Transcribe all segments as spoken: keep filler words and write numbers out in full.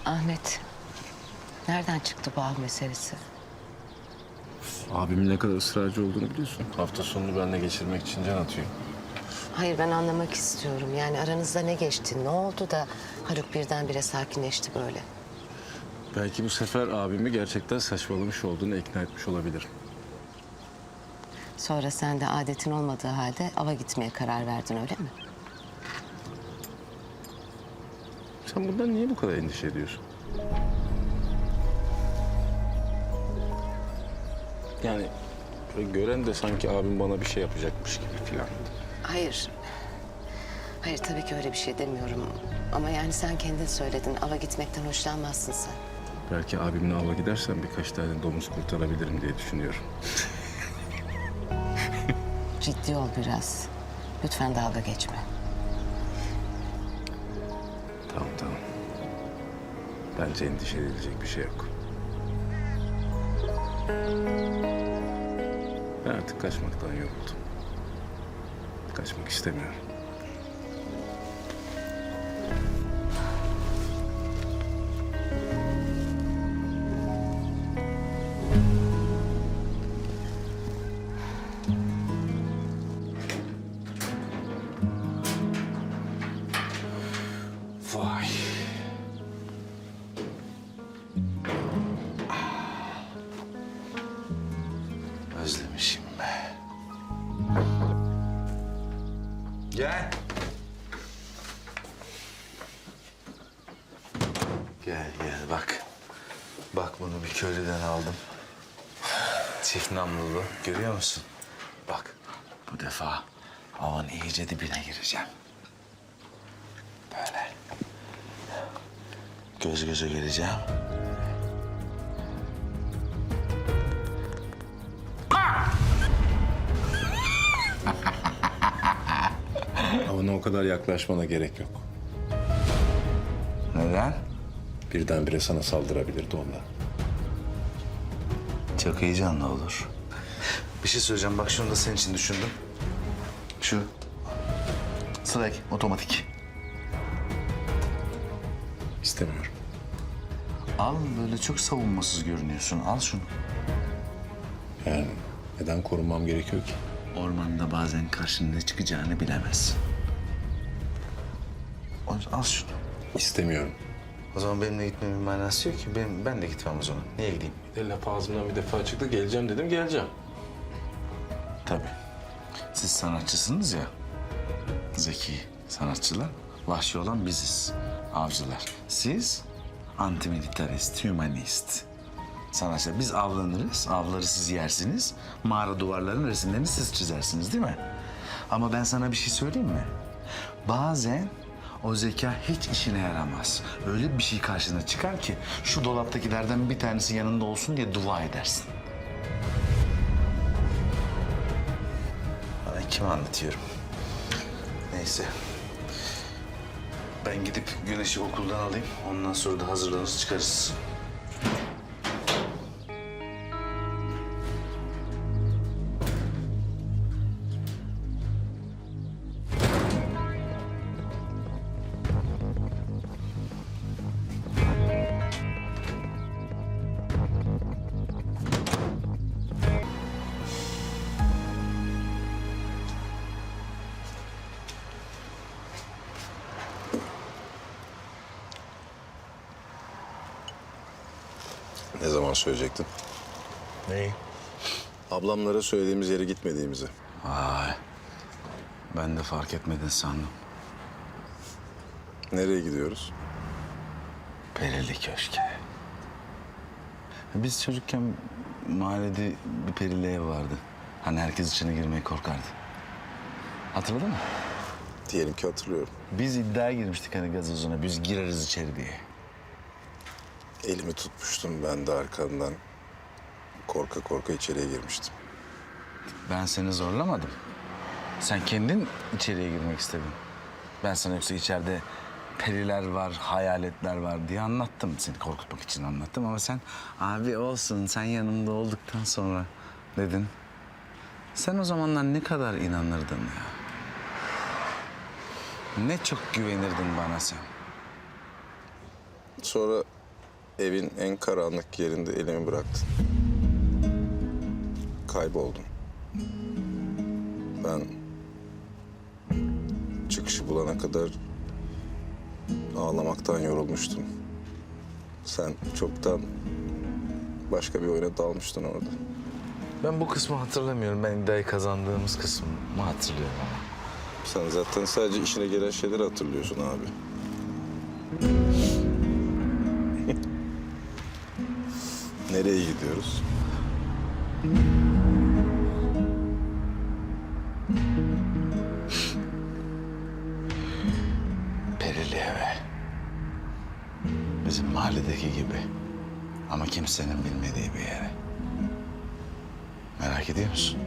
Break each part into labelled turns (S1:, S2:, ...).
S1: Ahmet, nereden çıktı bu av meselesi?
S2: Abimin ne kadar ısrarcı olduğunu biliyorsun. Hafta sonunu benimle geçirmek için can atıyor.
S1: Hayır, ben anlamak istiyorum. Yani aranızda ne geçti, ne oldu da Haluk birdenbire sakinleşti böyle?
S2: Belki bu sefer abimi gerçekten saçmalamış olduğunu ikna etmiş olabilirim.
S1: Sonra sen de adetin olmadığı halde ava gitmeye karar verdin, öyle mi?
S2: Sen bundan niye bu kadar endişe ediyorsun? Yani böyle gören de sanki abim bana bir şey yapacakmış gibi falan.
S1: Hayır. Hayır, tabii ki öyle bir şey demiyorum. Ama yani sen kendin söyledin, ava gitmekten hoşlanmazsın sen.
S2: Belki abimle ava gidersem birkaç tane domuz kurtarabilirim diye düşünüyorum.
S1: Ciddi ol biraz. Lütfen dalga geçme.
S2: Tamam tamam. Bence endişe edilecek bir şey yok. Ben artık kaçmaktan yoruldum. Kaçmak istemiyorum. Vay.
S3: Özlemişim be. Gel. Gel gel bak. Bak bunu bir köylüden aldım. Çift namlulu. Görüyor musun? Bak bu defa avan iyice dibine gireceğim. Böyle. Göz göze geleceğim.
S2: Ama o kadar yaklaşmana gerek yok.
S3: Neden?
S2: Birdenbire sana saldırabilirdi ondan.
S3: Çok heyecanlı olur. Bir şey söyleyeceğim. Bak şunu da senin için düşündüm. Şu. Slack, otomatik.
S2: İstemiyorum.
S3: Al, böyle çok savunmasız görünüyorsun. Al şunu.
S2: Yani neden korunmam gerekiyor ki?
S3: Ormanda bazen karşına ne çıkacağını bilemezsin. O- Al şunu.
S2: İstemiyorum.
S3: O zaman benimle gitmemin manası yok ki. Ben, ben de gitmem o zaman. Niye gideyim?
S2: Bir de laf ağzımdan bir defa çıktı. Geleceğim dedim, geleceğim.
S3: Tabii. Siz sanatçısınız ya. Zeki sanatçılar. Vahşi olan biziz. Avcılar. Siz antimilitarist, hümanist. Sanatçılar. Biz avlanırız. Avları siz yersiniz. Mağara duvarlarının resimlerini siz çizersiniz değil mi? Ama ben sana bir şey söyleyeyim mi? Bazen o zeka hiç işine yaramaz. Öyle bir şey karşına çıkar ki şu dolaptakilerden bir tanesi yanında olsun diye dua edersin. Bana kime anlatıyorum? Neyse. Ben gidip Güneş'i okuldan alayım. Ondan sonra da hazırlanır çıkarız.
S4: Ne zaman söyleyecektin?
S3: Neyi?
S4: Ablamlara söylediğimiz yere gitmediğimizi.
S3: Vay. Ben de fark etmedin sandım.
S4: Nereye gidiyoruz?
S3: Perili Köşk'e. Biz çocukken mahallede bir perili ev vardı. Hani herkes içine girmeye korkardı. Hatırladın mı?
S4: Diyelim ki hatırlıyorum.
S3: Biz iddiaya girmiştik hani gazozuna. Biz gireriz içeri diye.
S4: Elimi tutmuştum ben de arkandan. Korka korka içeriye girmiştim.
S3: Ben seni zorlamadım. Sen kendin içeriye girmek istedin. Ben sana yoksa içeride periler var, hayaletler var diye anlattım. Seni korkutmak için anlattım ama sen abi olsun sen yanımda olduktan sonra dedin. Sen o zamanlar ne kadar inanırdın ya. Ne çok güvenirdin bana sen.
S4: Sonra evin en karanlık yerinde elimi bıraktın. Kayboldun. Ben çıkışı bulana kadar ağlamaktan yorulmuştum. Sen çoktan başka bir oyuna dalmıştın orada.
S3: Ben bu kısmı hatırlamıyorum. Ben iddiayı kazandığımız kısmı hatırlıyorum ama.
S4: Sen zaten sadece işine gelen şeyleri hatırlıyorsun abi. Nereye gidiyoruz?
S3: Perili eve. Bizim mahalledeki gibi. Ama kimsenin bilmediği bir yere. Merak ediyor musun?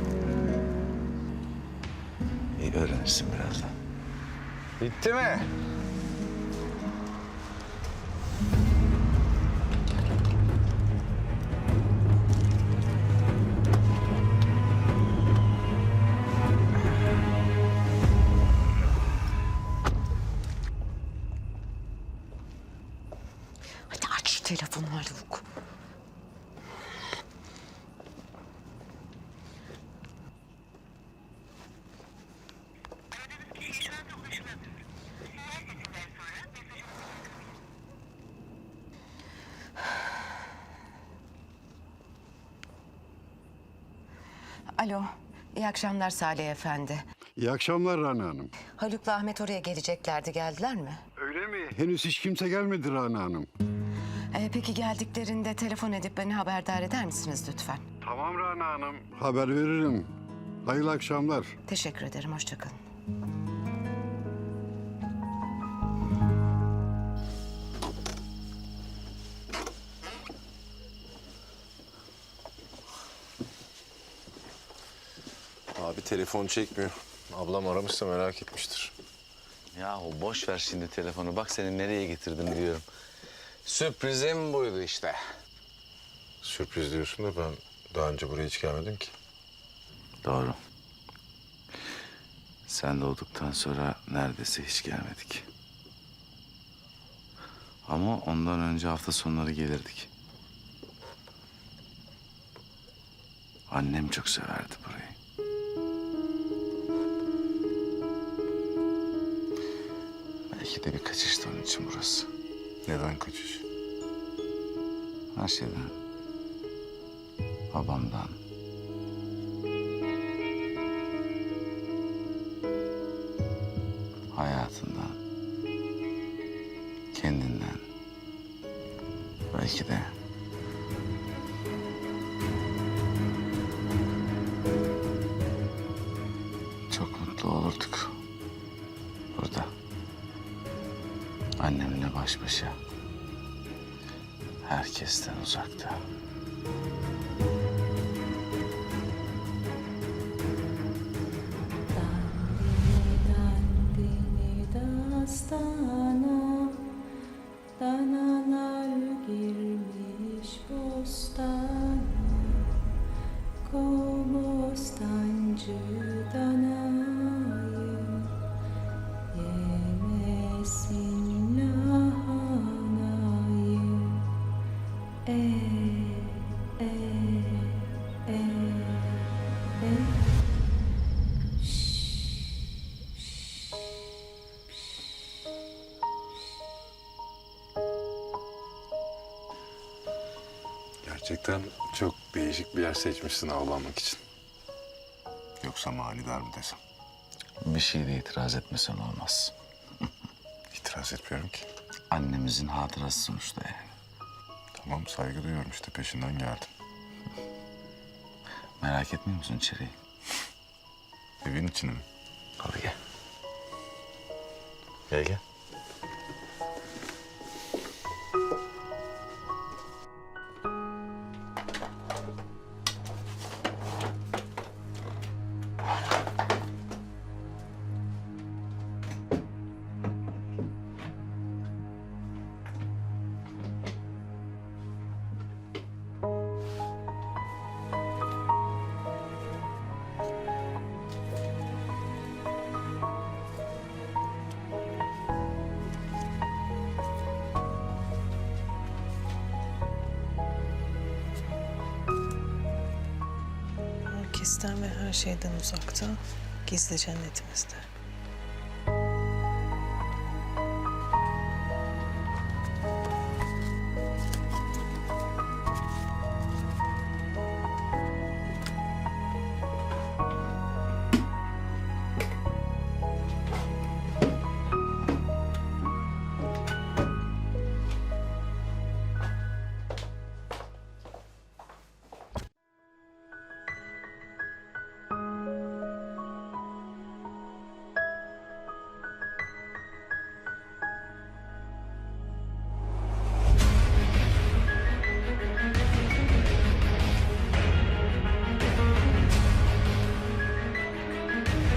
S3: İyi, öğrenirsin birazdan. Bitti mi?
S1: Hadi aç şu telefonu Haluk. Alo, iyi akşamlar Salih Efendi.
S5: İyi akşamlar Rana Hanım.
S1: Haluk'la Ahmet oraya geleceklerdi, geldiler mi?
S5: Öyle mi? Henüz hiç kimse gelmedi Rana Hanım.
S1: Ee, peki geldiklerinde telefon edip beni haberdar eder misiniz lütfen?
S5: Tamam Rana Hanım. Haber veririm. Hayırlı akşamlar.
S1: Teşekkür ederim, hoşça kalın.
S4: Abi telefon çekmiyor. Ablam aramışsa merak etmiştir.
S3: Yahu boş ver şimdi telefonu. Bak seni nereye getirdim diyorum. Sürprizim buydu işte.
S4: Sürpriz diyorsun da ben daha önce buraya hiç gelmedim ki.
S3: Doğru. Sen doğduktan sonra neredeyse hiç gelmedik. Ama ondan önce hafta sonları gelirdik. Annem çok severdi burayı. Belki de bir kaçıştı onun için burası.
S4: Neden kaçış?
S3: Her şeyden. Babamdan. Hayatından. Kendinden. Belki de çok mutlu olurduk. Burada. Annemle baş başa. Herkesten uzakta.
S6: Dandini dastana, danalar girmiş bostana, kobostancı danayı, yemesin lahanayı, e, e, e, e.
S4: Gerçekten çok değişik bir yer seçmişsin avlanmak için. Yoksa manidar mı desem?
S3: Bir şeyde itiraz etmesen olmaz.
S4: İtiraz etmiyorum ki.
S3: Annemizin hatırası sonuçta yani.
S4: Tamam, saygı duyuyorum işte, peşinden geldim.
S3: Merak etmiyor musun içeriği?
S4: Evin içine mi?
S3: Hadi gel. Gel gel.
S7: Herkesten ve her şeyden uzakta, gizli cennetimizde.